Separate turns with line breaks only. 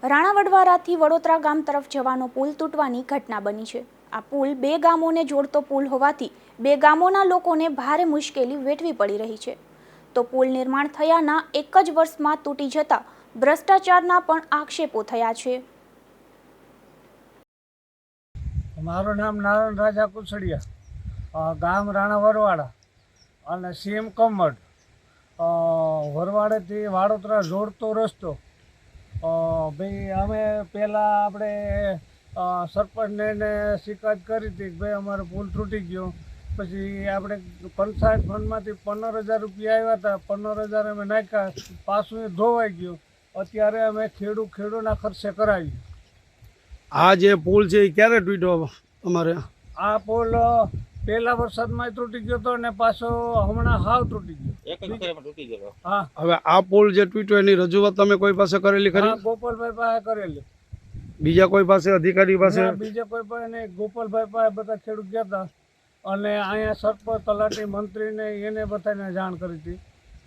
રાણાવડવારાથી વડોદરા ગામ તરફ જવાનો પુલ તૂટવાની ઘટના બની છે। આ પુલ બે ગામોને જોડતો પુલ હોવાથી બે ગામોના લોકોને ભારે મુશ્કેલી વેઠવી પડી રહી છે। તો પુલ નિર્માણ થયાના એક જ વર્ષમાં તૂટી જતા ભ્રષ્ટાચારના પણ આક્ષેપો થયા છે।
મારું નામ નારાયણ રાજા કુસડિયા, ગામ રાણા વરવાડા અને સીએમ કમડ, વરવાડેથી વાડોદરા જોડતો રસ્તો। ભાઈ અમે પહેલાં આપણે સરપંચને શિકાયત કરી હતી કે ભાઈ અમારો પુલ તૂટી ગયો। પછી આપણે પંચાયત ફંડમાંથી 15,000 રૂપિયા આવ્યા હતા, 15,000 અમે નાખ્યા, પાછું એ ધોવાઈ ગયું। અત્યારે અમે ખેડૂના ખર્ચે કરાવ્યું।
આ જે પુલ છે એ ક્યારે તૂટ્યો? અમારે
આ પુલ પહેલા વરસાદમાં તૂટી ગયો હતો ને પાછો હમણાં હાવ તૂટી ગયો। હા,
હવે આ પુલ જે તૂટ્યો એની રજૂઆત તમે કોઈ પાસે કરેલી ખરી?
ગોપાલભાઈ પાસે કરેલી।
બીજા કોઈ પાસે, અધિકારી પાસે?
બીજા કોઈ પાસે નહીં, ગોપાલભાઈ પાસે બધા ખેડૂત ગયા હતા અને અહીંયા સરપંચ, તલાટી, મંત્રીને એને બધાને જાણ કરી હતી।